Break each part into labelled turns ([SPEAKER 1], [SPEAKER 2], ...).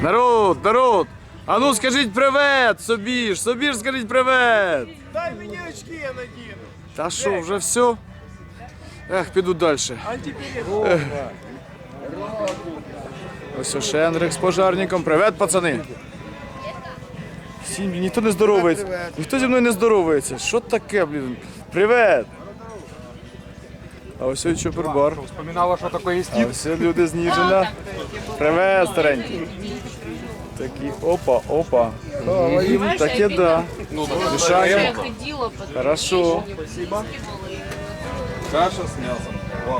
[SPEAKER 1] Народ, народ! А ну скажіть привет, собі ж скажіть привет!
[SPEAKER 2] Дай мені очки, я надіну.
[SPEAKER 1] Та що, вже все? Ех, піду далі.
[SPEAKER 2] Антиперед.
[SPEAKER 1] Ось Шендрик з пожарником. Привет, пацани! Всім, ніхто не здоровається. Ніхто зі мною не здоровається. Що таке, блін? Привет! А ось ось чопербар.
[SPEAKER 2] Вспоминала, що таке є
[SPEAKER 1] А ось люди з Ніжина. Привет, старенький. Такі, опа, опа. Таке да. Мішаємо. Хорошо.
[SPEAKER 3] Каша с мясом. Класс.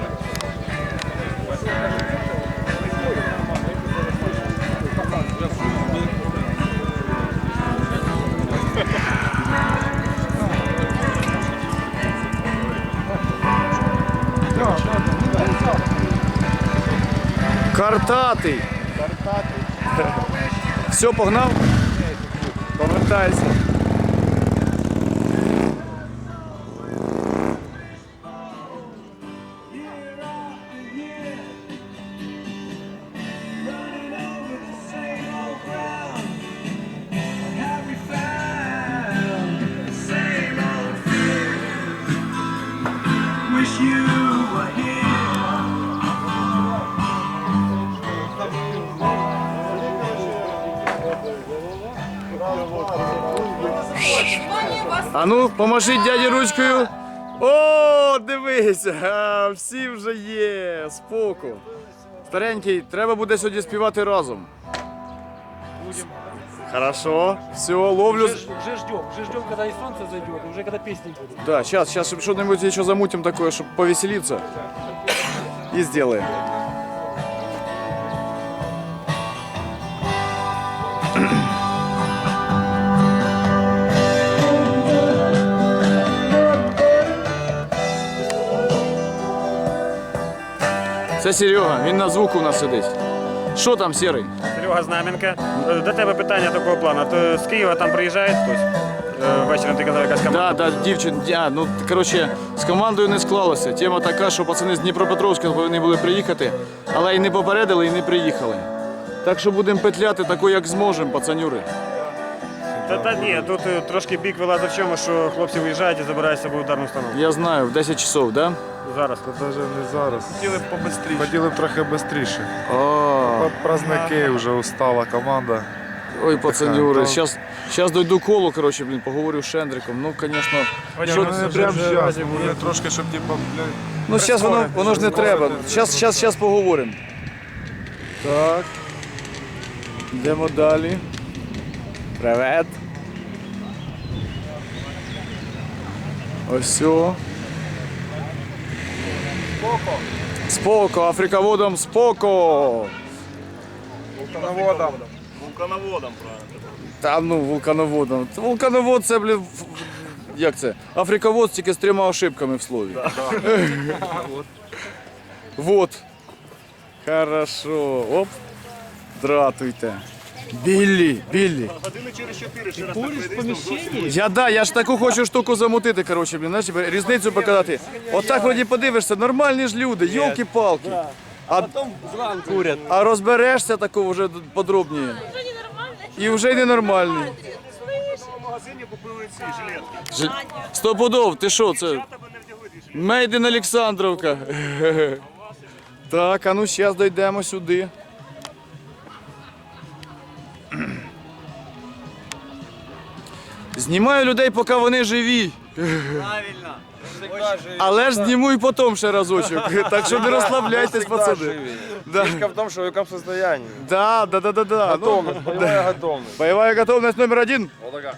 [SPEAKER 1] Картатий. Все, погнав? Повертайся. А ну, поможіть дяді ручкою. О, дивися, всі вже є, споку. Старенький, треба буде сьогодні співати разом. Хорошо, все, ловлю.
[SPEAKER 4] Уже ждем, когда и солнце зайдет, уже когда песни будут.
[SPEAKER 1] Да, сейчас что-нибудь еще замутим такое, чтобы повеселиться. И сделаем. Це Серега, він на звуку у нас сидить. Що там, Серий?
[SPEAKER 5] Серега Знаменка. До тебе питання такого плану. То з Києва там приїжджає хтось? Ввечері ти казав, якась команда.
[SPEAKER 1] Да, дівчина, ну, коротше, з командою не склалося. Тема така, що пацани з Дніпропетровська повинні були приїхати, але і не попередили, і не приїхали. Так що будемо петляти тако, як зможемо, пацанюри.
[SPEAKER 5] Та ні, тут трошки бік вилазить в чому, що хлопці виїжджають і забирають з собою ударну установку.
[SPEAKER 1] Я знаю, в 10 часов, да?
[SPEAKER 5] Зараз.
[SPEAKER 3] Даже не зараз.
[SPEAKER 2] Хотіли б побистріше.
[SPEAKER 3] Хотіли б трохи швидше.
[SPEAKER 1] А,
[SPEAKER 3] Праздники, вже устала команда.
[SPEAKER 1] ой, пацанюри,
[SPEAKER 3] Така,
[SPEAKER 1] зараз дойду коло, коротше, блін, поговорю з Шендриком. Ну, звісно,
[SPEAKER 3] Ну, не прямо зараз, буде трошки, щоб типа, блядь,
[SPEAKER 1] ну, зараз воно ж не треба. Зараз поговоримо. Так. Йдемо далі. Привет. Ось все. Споко, африководом споко.
[SPEAKER 2] Вулкановодом.
[SPEAKER 1] Та ну, вулкановодом. Вулкановод це, блін, як це? Африковод тільки з 3 ошибками в слові. Вот. Хорошо. Оп. Дратуйте. Біллі.
[SPEAKER 4] Куришь в помещении?
[SPEAKER 1] Я ж таку хочу штуку замутити, коротше, блін, знаєш, різницю показати. Отак вроді подивишся, нормальні ж люди, йолки-палки. А розберешся таку вже подробніше. І вже й ненормальний.
[SPEAKER 2] В магазині купили ці жилетки.
[SPEAKER 1] Стопудов, ти що, це? Мейден Олександровка. Так, а ну зараз дійдемо сюди. Знімаю людей, поки вони живі.
[SPEAKER 2] Правильно.
[SPEAKER 1] Але ж зніму і потім ще разочок. Так що не розслабляйтесь, пацани. Да.
[SPEAKER 2] Фишка в том, что в каком состоянии.
[SPEAKER 1] Да.
[SPEAKER 2] Готовность, боевая готовность.
[SPEAKER 1] Боевая готовность номер 1.
[SPEAKER 2] Вот такая.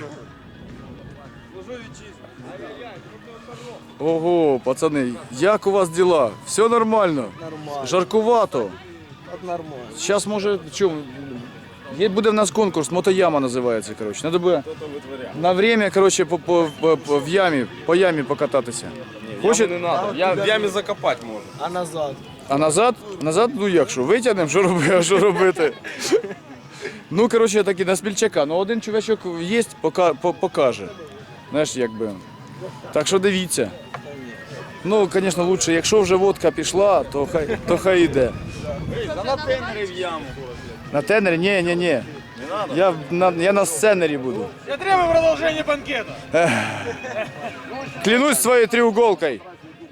[SPEAKER 1] Ого, пацани, як у вас діла? Все нормально?
[SPEAKER 4] Нормально.
[SPEAKER 1] Жаркувато.
[SPEAKER 4] Вот нормально.
[SPEAKER 1] Зараз може, буде в нас конкурс, мотояма називається, коротше. Надо буде на время, коротше, по ямі покататися. Хоче?
[SPEAKER 2] Не надо. Я в яме закопать можно.
[SPEAKER 4] А назад?
[SPEAKER 1] А назад? Назад, ну як що, витягнемо, що робити? Ну, коротше, такі на смільчака. Ну, один чувачок є, покаже. Знаєш, якби. Так що дивіться. Ну, звісно, краще, якщо вже водка пішла, то хай йде. На тенері? Ні. Я на сценері буду.
[SPEAKER 4] Я требую продолжения банкета.
[SPEAKER 1] Клянусь своей треуголкой.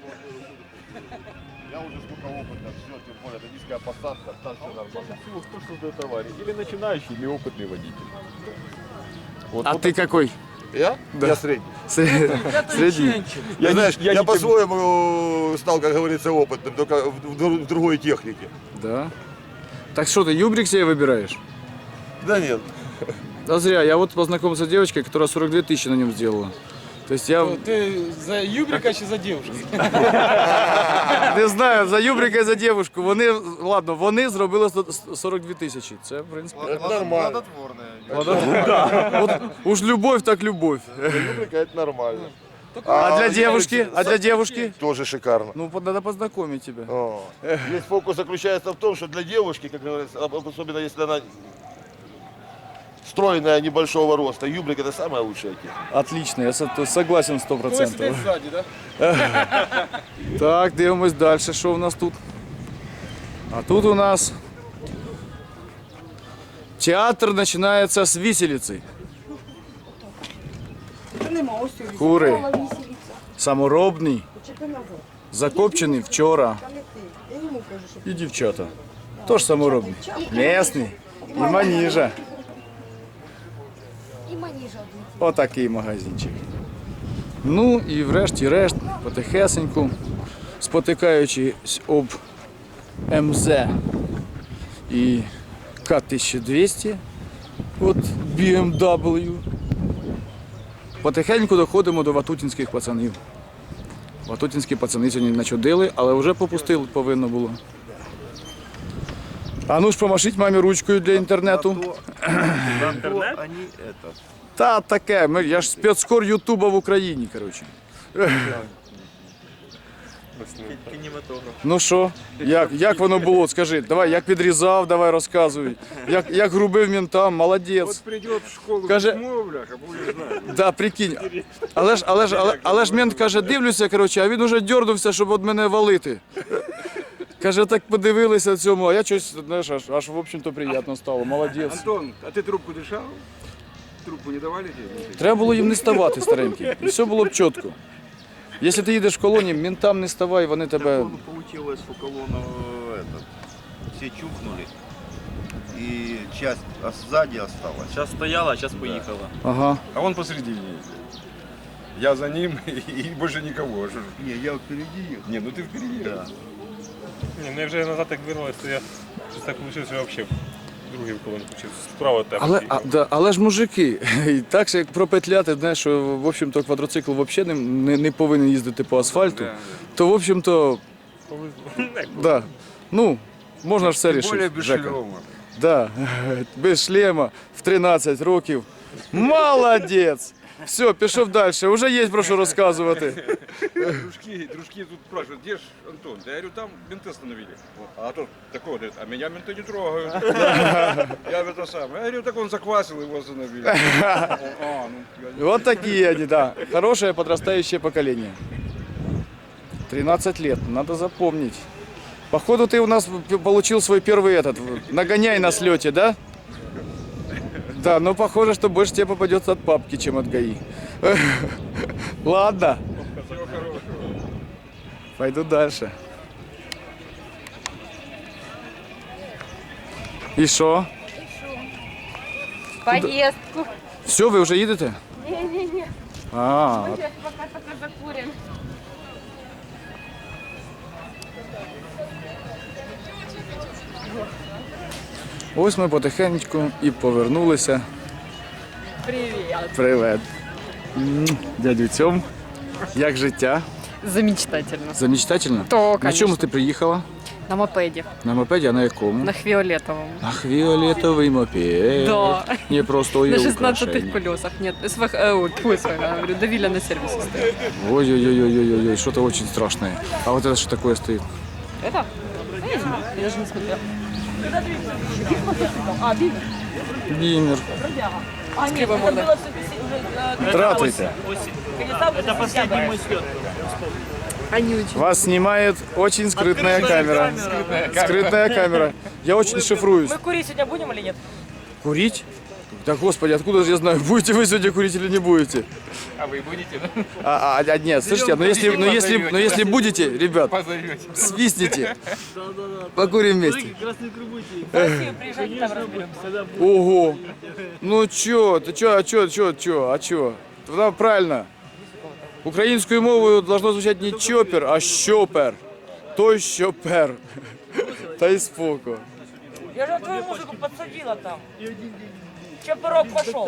[SPEAKER 6] Я уже сколько опыта, все, тем более, это низкая посадка, там все нормально. Кто создает аварии? Или начинающий, или опытный водитель. Вот,
[SPEAKER 1] А ты какой?
[SPEAKER 6] Я? Я средний.
[SPEAKER 1] Средний.
[SPEAKER 6] Я, знаешь, я по-своему стал, как говорится, опытным, только в другой технике.
[SPEAKER 1] Да. Так что ты, юбрик себе выбираешь?
[SPEAKER 6] Да нет.
[SPEAKER 1] Да зря. Я вот познакомился с девочкой, которая 42 тысячи на нем сделала. То есть я
[SPEAKER 4] Ты за юбрика чи за девушку?
[SPEAKER 1] не знаю, за юбрика і за дівчинку. Вони зробили 42 тисячі. Це, в принципі,
[SPEAKER 6] Это нормально.
[SPEAKER 1] от уж любов, так любов.
[SPEAKER 6] Рубрика это нормально.
[SPEAKER 1] А для девушки? А для девушки?
[SPEAKER 6] Тоже шикарно.
[SPEAKER 1] Ну, надо познакомить тебя.
[SPEAKER 6] О. Весь фокус заключается в том, что для девушки, как говорится, особенно если она стройная, небольшого роста, юбрик это самая лучшая техника.
[SPEAKER 1] Отлично, я согласен 100%.
[SPEAKER 4] сзади, да?
[SPEAKER 1] Так, дивимось далі, що у нас тут. А тут у нас театр починається з виселиці. Кури. Саморобний, закопчений вчора. І дівчата. Тож саморобний. Місний. І маніжа.
[SPEAKER 7] І маніжа.
[SPEAKER 1] Отакий магазинчик. Ну і врешті-решт, потихесеньку, спотикаючись об МЗ і К-1200 от BMW, потихеньку доходимо до ватутінських пацанів. Ватутінські пацани сьогодні начудили, але вже попустили повинно було. А ну ж помашіть мамі ручкою для інтернету. Та таке, я ж спецкор Ютуба в Україні, коротше. Ну що, як воно було, скажи, давай, як відрізав, давай розказуй. Як грубив ментам, молодець.
[SPEAKER 3] Придет в школу
[SPEAKER 1] Каже-
[SPEAKER 3] бляха, будешь знать.
[SPEAKER 1] Да, прикинь. Але ж мент каже, дивлюся, коротше, а він уже дьорнувся, щоб від мене валити. Каже, так подивилися цьому, а я щось, знаєш, аж в общем-то приємно стало, молодець.
[SPEAKER 3] Антон, а ты трубку дышал? Трубку не давали тебе?
[SPEAKER 1] Треба було їм не ставати, старенький, і все було б чітко. Якщо ти їдеш в колоні, ментам не ставай, вони тебе...
[SPEAKER 8] Получилось у колонны все чухнули, и часть сзади осталась.
[SPEAKER 5] Сейчас стояла, сейчас поїхала.
[SPEAKER 1] Ага.
[SPEAKER 3] А он посредине ездит. Я за ним и больше никого. Что ж.
[SPEAKER 8] Не, я впереди ехал.
[SPEAKER 3] Не, ну ты впереди.
[SPEAKER 8] Да.
[SPEAKER 5] Ні, ну я вже назад так вернулась, то я щось так вийшло, що я взагалі другий колон включив. Справа тебе.
[SPEAKER 1] Але ж мужики, і так що як пропетляти, знаєш, що в общем-то квадроцикл взагалі не повинен їздити по асфальту, то в общем-то, да, ну, можна ж все
[SPEAKER 3] Тем более
[SPEAKER 1] рішити.
[SPEAKER 3] без
[SPEAKER 1] Жека.
[SPEAKER 3] шлема.
[SPEAKER 1] Да, без шлема в 13 років. Молодець! Все, пішов далі, вже є про що розказувати.
[SPEAKER 3] Дружки тут спрашивают, где ж Антон? Да я говорю, там менты остановили. Вот. А тот такой говорит, а меня менты не трогают. Я это самое. Я говорю, так он заквасил, его остановили.
[SPEAKER 1] Вот такие они, да. Хорошее подрастающее поколение. 13 лет, надо запомнить. Походу ты у нас получил свой первый нагоняй на слете, да? Да, но похоже, что больше тебе попадется от папки, чем от ГАИ. Ладно. Пойду дальше. И что?
[SPEAKER 7] Поїздку.
[SPEAKER 1] Все, ви вже їдете?
[SPEAKER 7] Ні.
[SPEAKER 1] А,
[SPEAKER 7] Ми зараз поки закуримо.
[SPEAKER 1] ось ми потихеньку і повернулися.
[SPEAKER 9] Привіт.
[SPEAKER 1] Привет. Дядю Цьом. Як життя?
[SPEAKER 9] Замечательно.
[SPEAKER 1] Замечательно?
[SPEAKER 9] То,
[SPEAKER 1] На
[SPEAKER 9] конечно.
[SPEAKER 1] чому ти приїхала?
[SPEAKER 9] На мопеде.
[SPEAKER 1] На мопеді, а на якому?
[SPEAKER 9] На фиолетовом.
[SPEAKER 1] На фіолетовий мопед.
[SPEAKER 9] Да.
[SPEAKER 1] Не просто
[SPEAKER 9] На
[SPEAKER 1] є
[SPEAKER 9] 16
[SPEAKER 1] украшення.
[SPEAKER 9] колесах. Нет, говорю, давили на сервисе стоит.
[SPEAKER 1] Ой-ой-ой-ой-ой, что-то очень страшное. А вот это что такое стоит?
[SPEAKER 9] Это? Я не знаю, я даже не смотрела. А, бивер.
[SPEAKER 1] Бимер.
[SPEAKER 9] С кривой мордой.
[SPEAKER 1] Тратуйте.
[SPEAKER 5] Это последний мой слет.
[SPEAKER 9] Они очень.
[SPEAKER 1] Вас снимает очень скрытная камера. Скрытная камера. Я очень шифруюсь.
[SPEAKER 10] Мы курить сегодня будем или нет?
[SPEAKER 1] Курить? Да господи, откуда же я знаю, будете вы сегодня курить или не будете?
[SPEAKER 6] А вы будете, да?
[SPEAKER 1] Нет, слушайте, но если будете, ребят, свистните. Покурим вместе.
[SPEAKER 10] В Россию приезжайте, там разберемся.
[SPEAKER 1] Ого. Ну чё, ты чё, а чё? Тогда правильно. Українською мовою должно звучать не чопер, а щопер. Той щопер. Та й споко.
[SPEAKER 10] Я же твою музыку подсадила там. Чопорок пошел.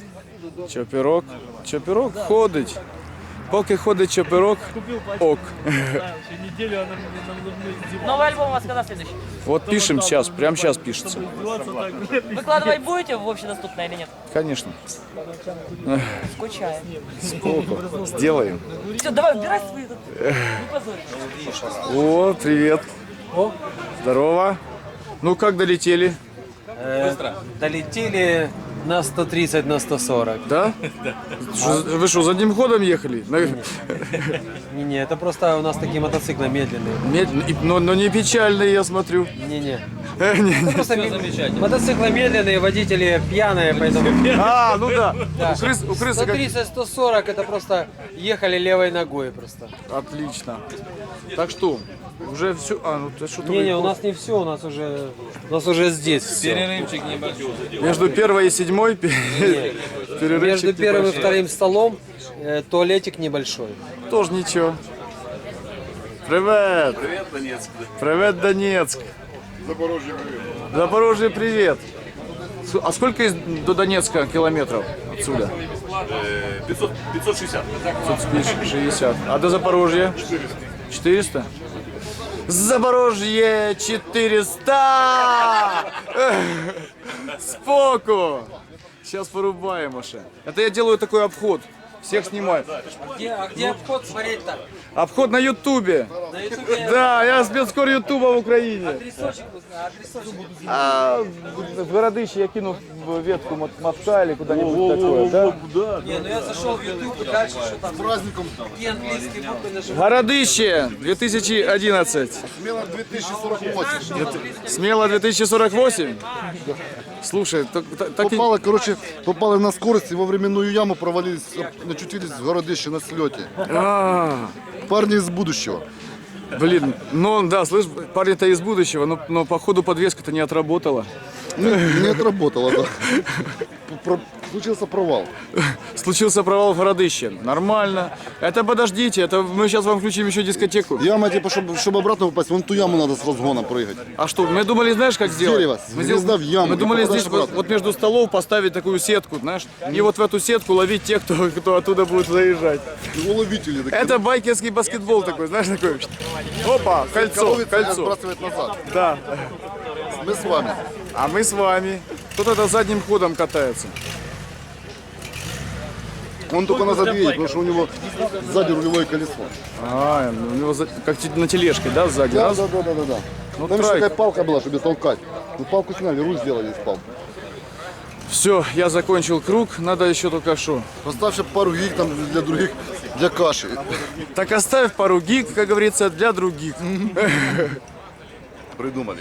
[SPEAKER 1] Чопірок ходить. Поки ходить чопірок, ок.
[SPEAKER 4] Неделю она нам нужны издеваться.
[SPEAKER 10] Новый альбом у вас когда следующий?
[SPEAKER 1] Вот пишем сейчас, прямо сейчас пишется.
[SPEAKER 10] Выкладывать будете в общедоступное или нет?
[SPEAKER 1] Конечно.
[SPEAKER 10] Скучаю.
[SPEAKER 1] Споко. Сделаем.
[SPEAKER 10] Все, давай, убирай свои тут. Не позорь.
[SPEAKER 1] О, привет. Здорово. Ну как долетели?
[SPEAKER 4] Долетели на 130, на 140.
[SPEAKER 1] Да? Вы что, задним ходом ехали?
[SPEAKER 4] Не-не, это просто у нас такие мотоциклы медленные.
[SPEAKER 1] Медленно, но не печальные, я смотрю.
[SPEAKER 4] Не-не. Это просто мотоциклы медленные, водители пьяные, поэтому...
[SPEAKER 1] Ну да. У крысы как...
[SPEAKER 4] 130-140 это просто ехали левой ногой просто.
[SPEAKER 1] Отлично. Так что, уже все... ты что-то...
[SPEAKER 4] Не-не, у нас не все, у нас уже здесь все.
[SPEAKER 6] Перерывчик небольшой.
[SPEAKER 1] Между первой и седьмой перерывчик
[SPEAKER 4] Между первым и
[SPEAKER 1] небольшой.
[SPEAKER 4] вторым столом туалетик небольшой.
[SPEAKER 1] Тоже ничего. Привет.
[SPEAKER 6] Привет, Донецк.
[SPEAKER 1] Привет, Донецк.
[SPEAKER 6] Запорожье, привет.
[SPEAKER 1] Запорожье, привет. А сколько до Донецка километров отсюда?
[SPEAKER 6] 560.
[SPEAKER 1] 560. А до Запорожья? 400. 400? Запорожье 400! Споку! Сейчас порубаем, Маша. Это я делаю такой обход. Всех снимаю.
[SPEAKER 4] А где обход смотреть-то?
[SPEAKER 1] Обход на Ютубе.
[SPEAKER 4] На ютубе
[SPEAKER 1] Да, я спецкор Ютуба в Украине.
[SPEAKER 4] адресочек узнай,
[SPEAKER 1] В Городище я кинул в ветку мотка или куда-нибудь такое, да?
[SPEAKER 4] Не, ну я зашел в ютуб, и дальше что там? С праздником. Какие английские буквы нажимать?
[SPEAKER 1] Городище 2011.
[SPEAKER 8] Смело 2048.
[SPEAKER 1] Смело 2048. Слушай, так и...
[SPEAKER 8] Попали на скорость и во временную яму провалились, очутились в городище на слете. Парни из будущего.
[SPEAKER 1] Блин, ну да, слышь, парень-то из будущего, но походу подвеска-то не отработала.
[SPEAKER 8] Не отработало, да. Случился провал.
[SPEAKER 1] Случился провал в Городище. Нормально. Это подождите, это мы сейчас вам включим еще дискотеку.
[SPEAKER 8] Яма, типа, чтобы обратно попасть, вон ту яму надо с разгона прыгать.
[SPEAKER 1] А что, мы думали, знаешь, как сделать?
[SPEAKER 8] дерева, звезда в яму,
[SPEAKER 1] Мы
[SPEAKER 8] и
[SPEAKER 1] думали
[SPEAKER 8] попадаешь
[SPEAKER 1] здесь
[SPEAKER 8] обратно.
[SPEAKER 1] вот между столов поставить такую сетку, знаешь, и вот в эту сетку ловить тех, кто оттуда будет заезжать.
[SPEAKER 8] Уловители такие.
[SPEAKER 1] Это байкерский баскетбол такой, знаешь, такой. Опа, кольцо.
[SPEAKER 8] Сбрасывает назад.
[SPEAKER 1] Да.
[SPEAKER 8] Мы с вами.
[SPEAKER 1] А мы с вами. Кто-то задним ходом катается.
[SPEAKER 8] Он только назад едет, потому что у него сзади рулевое колесо.
[SPEAKER 1] У него как на тележке, да, сзади?
[SPEAKER 8] Да,
[SPEAKER 1] Раз.
[SPEAKER 8] да.
[SPEAKER 1] Ну,
[SPEAKER 8] Там еще
[SPEAKER 1] тройка.
[SPEAKER 8] такая палка была, чтобы толкать. Ну, палку сняли, руль сделали из палки.
[SPEAKER 1] Все, я закончил круг, надо еще только что.
[SPEAKER 8] Поставь пару гиг там для других, для каши.
[SPEAKER 1] Так оставь пару гиг, как говорится, для других.
[SPEAKER 8] Придумали.